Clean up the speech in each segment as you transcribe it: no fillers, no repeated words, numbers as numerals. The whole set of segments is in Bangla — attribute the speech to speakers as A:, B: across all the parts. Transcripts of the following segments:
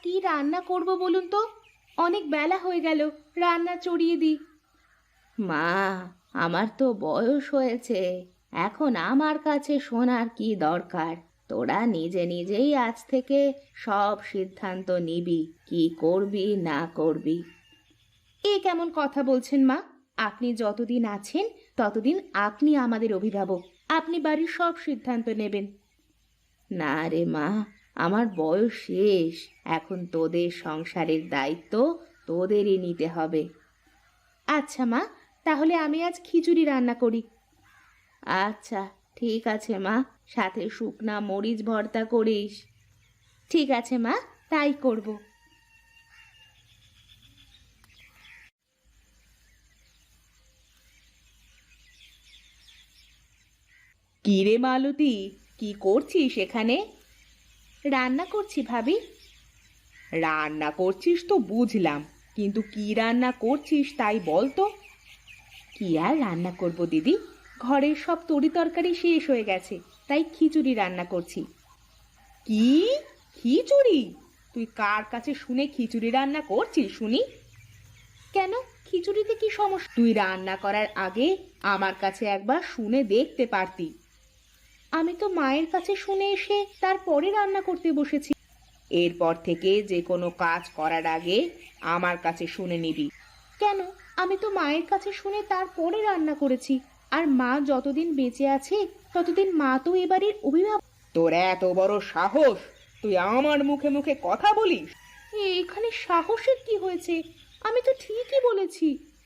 A: কি রান্না করব বলুন তো? অনেক বেলা হয়ে গেল, রান্না চড়িয়ে দিই। মা, আমার তো বয়স হয়েছে, এখন আমার কাছে শোনার কি দরকার? তোরা নিজে নিজেই আজ থেকে সব সিদ্ধান্ত নিবি, কি করবি না করবি। এ কেমন কথা বলছেন মা? আপনি যতদিন আছেন ততদিন আপনি আমাদের অভিভাবক, আপনি বাড়ির সব সিদ্ধান্ত নেবেন। না রে মা, আমার বয়স শেষ, এখন তোদের সংসারের দায়িত্ব তোদেরই নিতে হবে। আচ্ছা মা, তাহলে আমি আজ খিচুড়ি রান্না করি। আচ্ছা, ঠিক আছে মা, সাথে শুকনা মরিচ ভর্তা করিস। ঠিক আছে মা, তাই করব। কি রে মালতী, কি করছিস এখানে? রান্না করছি ভাবি। রান্না করছিস তো বুঝলাম, কিন্তু কি রান্না করছিস তাই বল তো। কি আর রান্না করব দিদি, ঘরের সব তরি তরকারি শেষ হয়ে গেছে, তাই খিচুড়ি রান্না করছি। কি? খিচুড়ি? তুই কার কাছে শুনে খিচুড়ি রান্না করছিস শুনি? কেন, খিচুড়িতে কি সমস্যা? তুই রান্না করার আগে আমার কাছে একবার শুনে দেখতে পারতি। আমি তো মায়ের কাছে শুনে এসে তারপরে রান্না করতে বসেছি। এরপর থেকে যে কোনো কাজ করার আগে আমার কাছে শুনে নিবি। কেন, আমি তো মায়ের কাছে শুনে তারপরে রান্না করেছি, আর মা যতদিন বেঁচে আছে ততদিন মা তো এবারের অভিভাবক। তোর এত বড় সাহস, তুই আমার মুখে মুখে কথা বলিস? এখানে সাহসের কি হয়েছে? আমি তো ঠিকই বলেছি।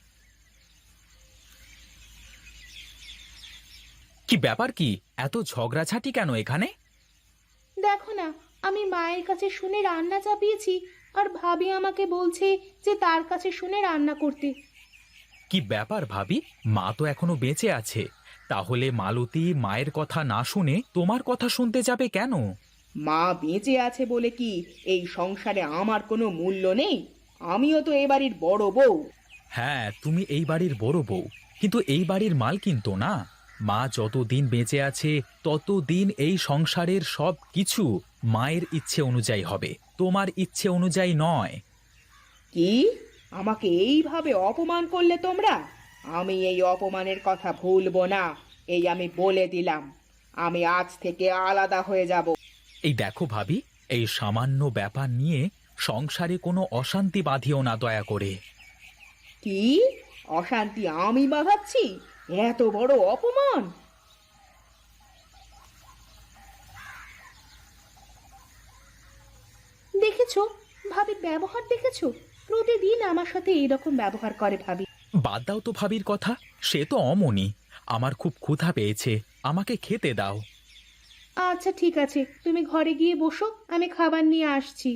B: কি ব্যাপার? কি এত ঝগড়াঝাটি কেন এখানে?
A: দেখো না, আমি মায়ের কাছে শুনে রান্না চাপিয়েছি, আর ভাবি আমাকে বলছে যে তার কাছে শুনে রান্না করতে।
B: কি ব্যাপার ভাবি, মা তো এখনো বেঁচে আছে, তাহলে মালতী মায়ের কথা না শুনে তোমার কথা শুনতে যাবে কেন?
A: মা বেঁচে আছে বলে কি এই সংসারে আমার কোনো মূল্য নেই? আমিও তো এ বাড়ির বড় বউ।
B: হ্যাঁ, তুমি এই বাড়ির বড় বউ, কিন্তু এই বাড়ির মালকিন তো না। মা যতদিন বেঁচে আছে ততদিন এই সংসারের সব কিছু মায়ের ইচ্ছে অনুযায়ী হবে, তোমার ইচ্ছে অনুযায়ী নয়।
A: কি? আমাকে এইভাবে অপমান করলে তোমরা? আমি এই অপমানের কথা ভুলবো না, এই আমি বলে দিলাম। আমি আজ থেকে আলাদা হয়ে যাব।
B: এই দেখো ভাবি, এই সামান্য ব্যাপার নিয়ে সংসারে কোনো অশান্তি বাঁধিও না দয়া করে।
A: কি? অশান্তি আমি বাঁধাচ্ছি? এত বড় অপমান! দেখেছো, ভাবির ব্যবহার দেখেছো? প্রতিদিন আমার সাথে এইরকম ব্যবহার করে ভাবি।
B: বাদ দাও তো ভাবির কথা, সে তো অমনি। আমার খুব ক্ষুধা পেয়েছে, আমাকে খেতে দাও।
A: আচ্ছা ঠিক আছে, তুমি ঘরে গিয়ে বসো, আমি খাবার নিয়ে আসছি।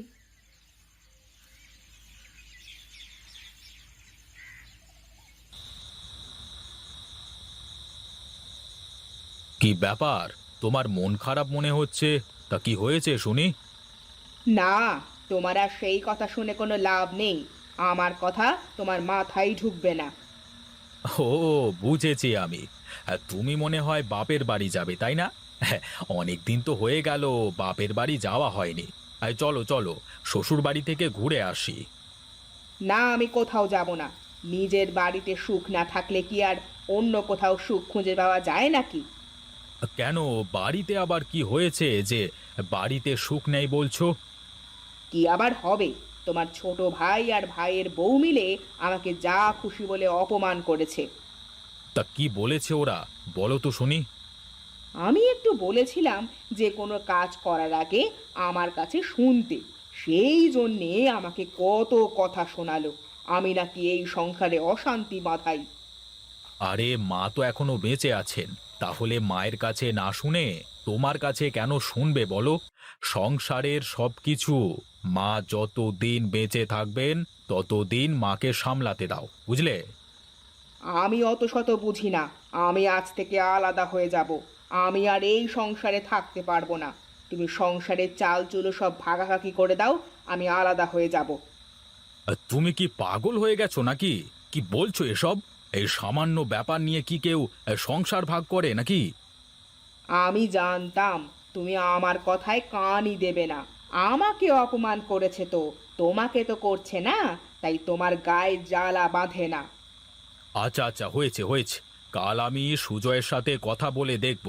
B: কি ব্যাপার, তোমার মন খারাপ মনে হচ্ছে? তা কি হয়েছে শুনি?
A: না, তোমার আর সেই কথা শুনে কোনো লাভ নেই। আমার কথা তোমার মাথায় ঢুকবে না।
B: ও, বুঝেছি আমি। তুমি মনে হয় বাপের বাড়ি যাবে, তাই না? অনেক দিন তো হয়ে গেল বাপের বাড়ি যাওয়া হয়নি। চলো চলো, শ্বশুর বাড়ি থেকে ঘুরে আসি।
A: না, আমি কোথাও যাব না। নিজের বাড়িতে সুখ না থাকলে কি আর অন্য কোথাও সুখ খুঁজে পাওয়া যায় নাকি?
B: কেন, বাড়িতে আবার কি হয়েছে যে বাড়িতে সুখ নেই বলছো?
A: কি আবার হবে? তোমার ছোট ভাই আর ভাইয়ের বউ মিলে আমাকে যা খুশি বলে অপমান করেছে।
B: তা কি বলেছে ওরা, বলো তো শুনি।
A: আমি একটু বলেছিলাম যে কোনো কাজ করার আগে আমার কাছে শুনতে, সেই জন্যে আমাকে কত কথা শোনালো। আমি নাকি এই সংসারে অশান্তি বাঁধাই।
B: আরে মা তো এখনো বেঁচে আছেন, তাহলে মায়ের কাছে না শুনে তোমার কাছে কেন শুনবে বলো? সংসারের সবকিছু মা যতদিন বেঁচে থাকবেন ততদিন মাকে সামলাতে দাও, বুঝলে?
A: আমি অত শত বুঝি না। আমি আজ থেকে আলাদা হয়ে যাব। আমি আর এই সংসারে থাকতে পারবো না। তুমি সংসারের চাল চুলো সব ভাগাভাগি করে দাও, আমি আলাদা হয়ে যাব।
B: তুমি কি পাগল হয়ে গেছো নাকি? কি বলছো এসব? এই সামান্য ব্যাপার নিয়ে কি কেউ সংসার ভাগ করে নাকি?
A: আমি জানতাম তুমি আমার কথায় কানই দেবে না, আমাকে অপমান করেছে তো, তোমাকে তো করছে না, তাই তোমার গায়ে জ্বালা বাঁধে না।
B: আচ্ছা আচ্ছা, হয়েছে হয়েছে, কাল আমি সুজয়ের সাথে কথা বলে দেখব।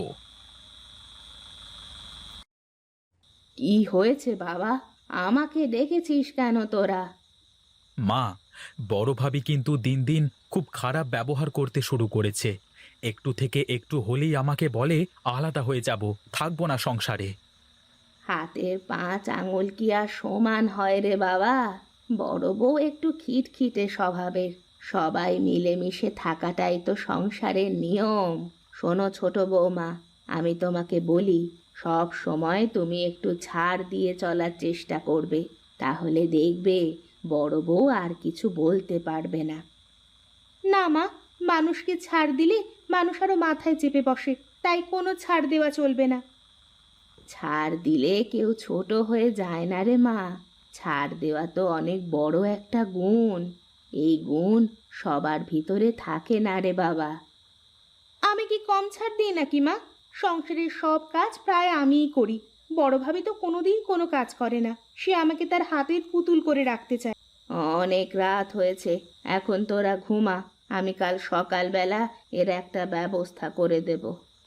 A: কি হয়েছে বাবা? আমাকে ডেকেছিস কেন তোরা?
B: মা, বড় ভাবি কিন্তু দিন দিন খুব খারাপ ব্যবহার করতে শুরু করেছে। একটু থেকে একটু হলেই আমাকে বলে আলাদা হয়ে যাব, থাকবো না সংসারে।
A: হাতের 5 আঙুল কি আর সমান হয় রে বাবা? বড় বউ একটু খিটখিটে স্বভাবের। সবাই মিলেমিশে থাকাটাই তো সংসারের নিয়ম। শোনো ছোট বৌমা, আমি তোমাকে বলি, সব সময় তুমি একটু ছাড় দিয়ে চলার চেষ্টা করবে। তাহলে দেখবে বড় বউ আর কিছু বলতে পারবে না। না মা, মানুষকে ছাড় দিলে মানুষ আরো মাথায় চেপে বসে, তাই কোনো ছাড় দেওয়া চলবে না। ছাড় দিলে কেউ ছোট হয়ে যায় না রে মা। ছাড় দেওয়া তো অনেক বড় একটা গুণ। এই গুণ সবার ভিতরে থাকে না রে বাবা। আমি কি কম ছাড় দিই নাকি মা? সংসারের সব কাজ প্রায় আমিই করি। বড় ভাবি তো কোনোদিন কোনো কাজ করে না, সে আমাকে তার হাতের পুতুল করে রাখতে চায়। অনেক রাত হয়েছে, এখন তোরা ঘুমা। আমি কাল সকালবেলা এর একটা ব্যবস্থা করে দেব।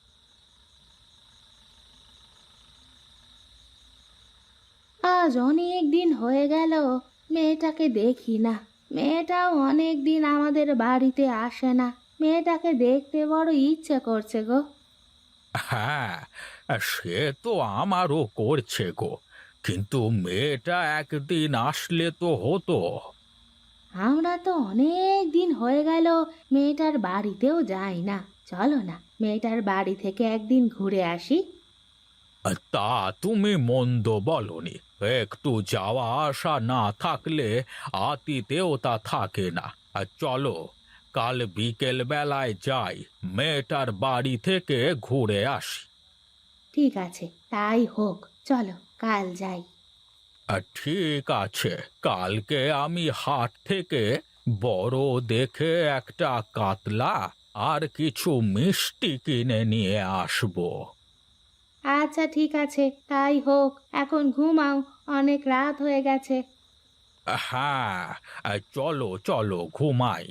A: আজ অনেক দিন হয়ে গেল মেয়েটাকে দেখি না। মেয়েটাও অনেক দিন আমাদের বাড়িতে আসে না। মেয়েটাকে দেখতে বড় ইচ্ছে করছে গো।
B: হ্যাঁ, সে তো আমারও করছে গো, কিন্তু মেয়েটা একদিন আসলে তো হতো।
A: আমরা তো অনেক দিন হয়ে গেল মেয়েটার বাড়িতেও যাই না। চলো না, মেয়েটার বাড়ি থেকে একদিন ঘুরে আসি।
B: তা তুমি মন্দ বলনি, একটু যাওয়া আসা না থাকলে আতিতেও তা থাকে না। আর চলো, কাল বিকেল বেলায় যাই, মেয়েটার বাড়ি থেকে ঘুরে আসি।
A: ঠিক আছে, তাই হোক, চলো কাল যাই।
B: ঠিক আছে, কালকে আমি হাট থেকে বড় দেখে একটা কাতলা আর কিছু মিষ্টি কিনে নিয়ে আসবো।
A: আচ্ছা ঠিক আছে, তাই হোক। এখন ঘুমাও, অনেক রাত হয়ে গেছে।
B: হ্যাঁ, চলো চলো ঘুমাই।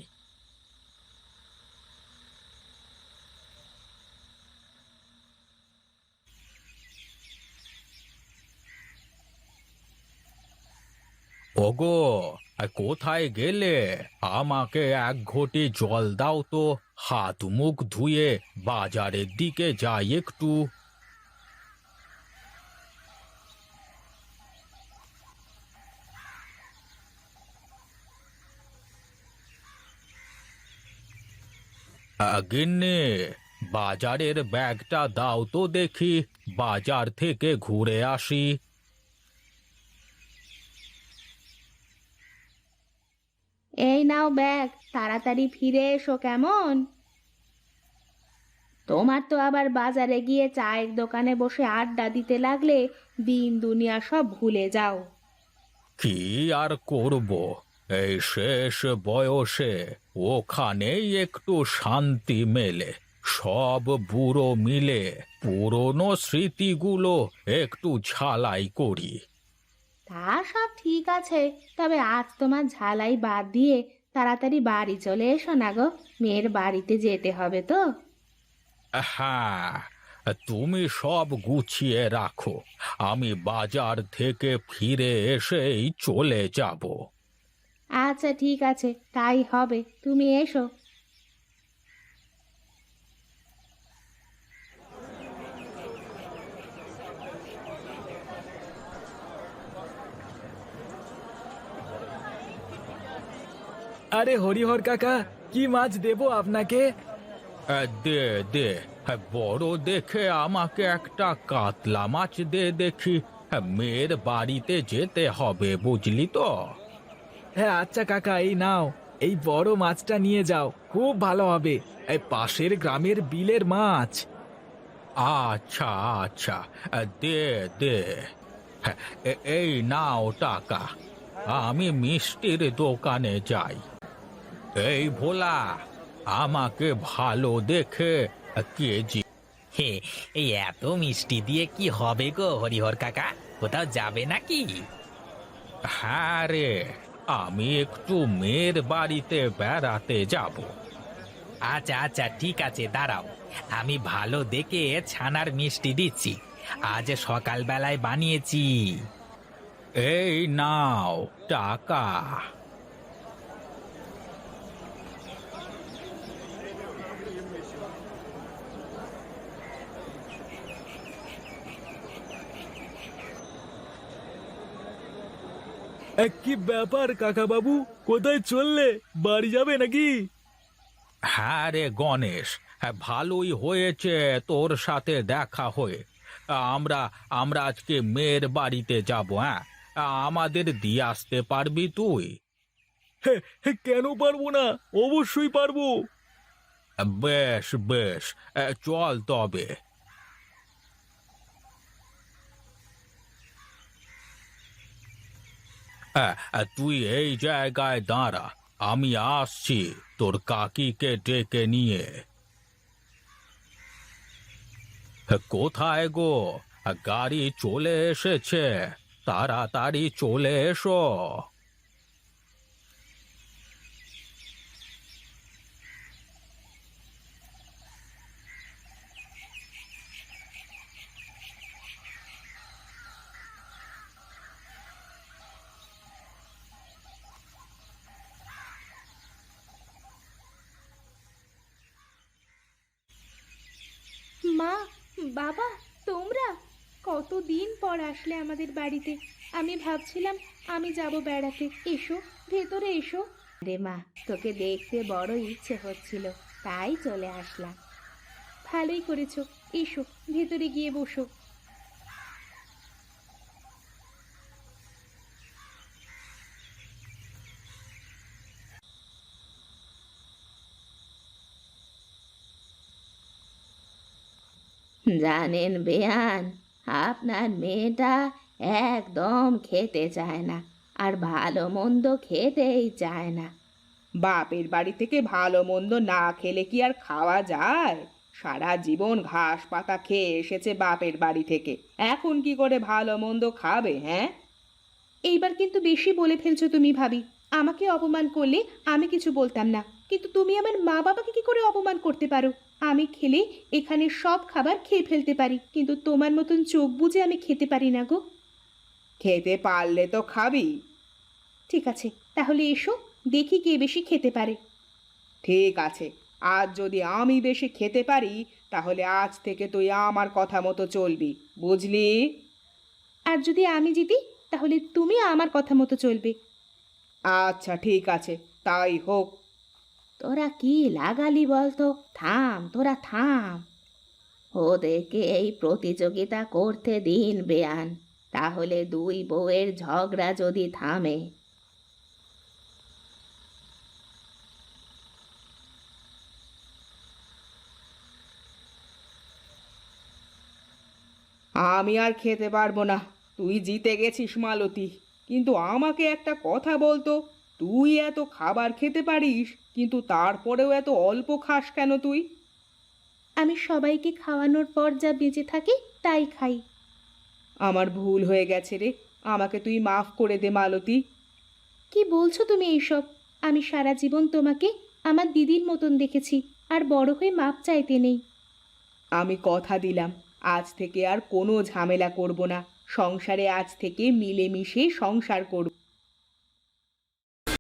B: ওগো, কোথায় গেলে? আমাকে এক ঘটি জল দাও তো, হাত মুখ ধুয়ে বাজারের দিকে যাই একটু। গিন্নি, বাজারের ব্যাগটা দাও তো দেখি, বাজার থেকে ঘুরে আসি।
A: এই নাও ব্যাগ, তাড়াতাড়ি ফিরে এসো কেমন? তোমার তো আবার বাজারে গিয়ে চায়ের দোকানে বসে আড্ডা দিতে লাগলে দিন দুনিয়া সব ভুলে যাও।
B: কি আর করব, এই শেষ বয়সে ওখানেই একটু শান্তি মেলে। সব বুড়ো মিলে পুরনো স্মৃতিগুলো একটু ঝালাই করি।
A: তা সব ঠিক আছে, তবে আজ তোমার ঝালাই বাদ দিয়ে তাড়াতাড়ি বাড়ি চলে এসো না গো। মেয়ের বাড়িতে যেতে হবে তো।
B: হ্যাঁ, তুমি সব গুছিয়ে রাখো, আমি বাজার থেকে ফিরে এসেই চলে যাব।
A: আচ্ছা ঠিক আছে, তাই হবে, তুমি এসো।
C: আরে হরিহর কাকা, কি মাছ দেবো আপনাকে?
B: দে দে, বড় দেখে আমাকে একটা কাতলা মাছ দে দেখি। মেয়ের বাড়িতে যেতে হবে, বুঝলি তো।
C: হ্যাঁ আচ্ছা কাকা, এই নাও, এই বড় মাছটা নিয়ে যাও, খুব ভালো হবে। এই পাশের গ্রামের বিলের মাছ।
B: আচ্ছা আচ্ছা, দে দে। এই নাও টাকা, আমি মিষ্টির দোকানে যাই। এই ভোলা, আমাকে ভালো দেখে কেজি।
D: হে, এই এত মিষ্টি দিয়ে কি হবে গো হরিহর কাকা?
B: কোথাও যাবে নাকি? হ্যাঁ রে, আমি একটু মেয়ের বাড়িতে বেড়াতে যাব। আচ্ছা আচ্ছা, ঠিক আছে, দাঁড়াও, আমি ভালো দেখে ছানার মিষ্টি দিচ্ছি, আজ সকালবেলায় বানিয়েছি। এই নাও টাকা।
C: কি ব্যাপার কাকা বাবু, কোথায় চললে? বাড়ি যাবে নাকি?
B: হ্যাঁ রে গণেশ, হ্যাঁ, ভালোই হয়েছে তোর সাথে দেখা হয়ে। আমরা আমরা আজকে মেয়ের বাড়িতে যাব। হ্যাঁ, আমাদের দিয়ে আসতে পারবি তুই?
C: কেন পারবো না, অবশ্যই পারবো।
B: বেশ বেশ, চল তবে। তুই এই জায়গায় দাঁড়া, আমি আসছি তোর কাকিকে ডেকে নিয়ে। কোথায় গো? গাড়ি চলে এসেছে, তাড়াতাড়ি চলে এসো।
A: মা, বাবা, তোমরা কতদিন পর আসলে আমাদের বাড়িতে। আমি ভাবছিলাম আমি যাব বেড়াতে। এসো, ভেতরে এসো। রে মা, তোকে দেখতে বড় ইচ্ছে হচ্ছিল, তাই চলে আসলাম। ভালোই করেছো। এসো, ভেতরে গিয়ে বসো। জানেন বেয়ান, আপনার মেয়েটা একদম খেতে চায় না, আর ভালো মন্দ খেতেই চায় না। বাপের বাড়ি থেকে ভালো মন্দ না খেলে কি আর খাওয়া যায়? সারা জীবন ঘাস পাতা খেয়ে এসেছে বাপের বাড়ি থেকে, এখন কি করে ভালো মন্দ খাবে? হ্যাঁ, এইবার কিন্তু বেশি বলে ফেলছো তুমি ভাবি। আমাকে অপমান করলে আমি কিছু বলতাম না, কিন্তু তুমি আমার মা বাবাকে কি করে অপমান করতে পারো? আমি খেলে এখানে সব খাবার খেয়ে ফেলতে পারি, কিন্তু তোমার মতন চোখ বুজে আমি খেতে পারি না গো। খেতে পারলে তো খাবি। ঠিক আছে, তাহলে এসো, দেখি কে বেশি খেতে পারে। ঠিক আছে, আজ যদি আমি বেশি খেতে পারি, তাহলে আজ থেকে তুই আমার কথা মতো চলবি, বুঝলি? আর যদি আমি জিতি, তাহলে তুমি আমার কথা মতো চলবে। আচ্ছা ঠিক আছে, তাই হোক। তোরা কি লাগালি বলতো? থাম, তোরা থাম। ওদেরকে এই প্রতিযোগিতা করতে দিন বেয়ান, তাহলে দুই বউয়ের ঝগড়া যদি থামে। আমি আর খেতে পারবো না, তুই জিতে গেছিস মালতী। কিন্তু আমাকে একটা কথা বলতো, তুই এত খাবার খেতে পারিস, কিন্তু তারপরেও এত অল্প খাস কেন তুই? আমি সবাইকে খাওয়ানোর পর যা বেঁচে থাকে তাই খাই। আমার ভুল হয়ে গেছে রে, আমাকে তুই মাফ করে দে মালতী। কি বলছো তুমি এইসব? আমি সারা জীবন তোমাকে আমার দিদির মতন দেখেছি, আর বড় হয়ে মাপ চাইতে নেই। আমি কথা দিলাম, আজ থেকে আর কোনো ঝামেলা করব না। সংসারে আজ থেকে মিলেমিশে সংসার করব।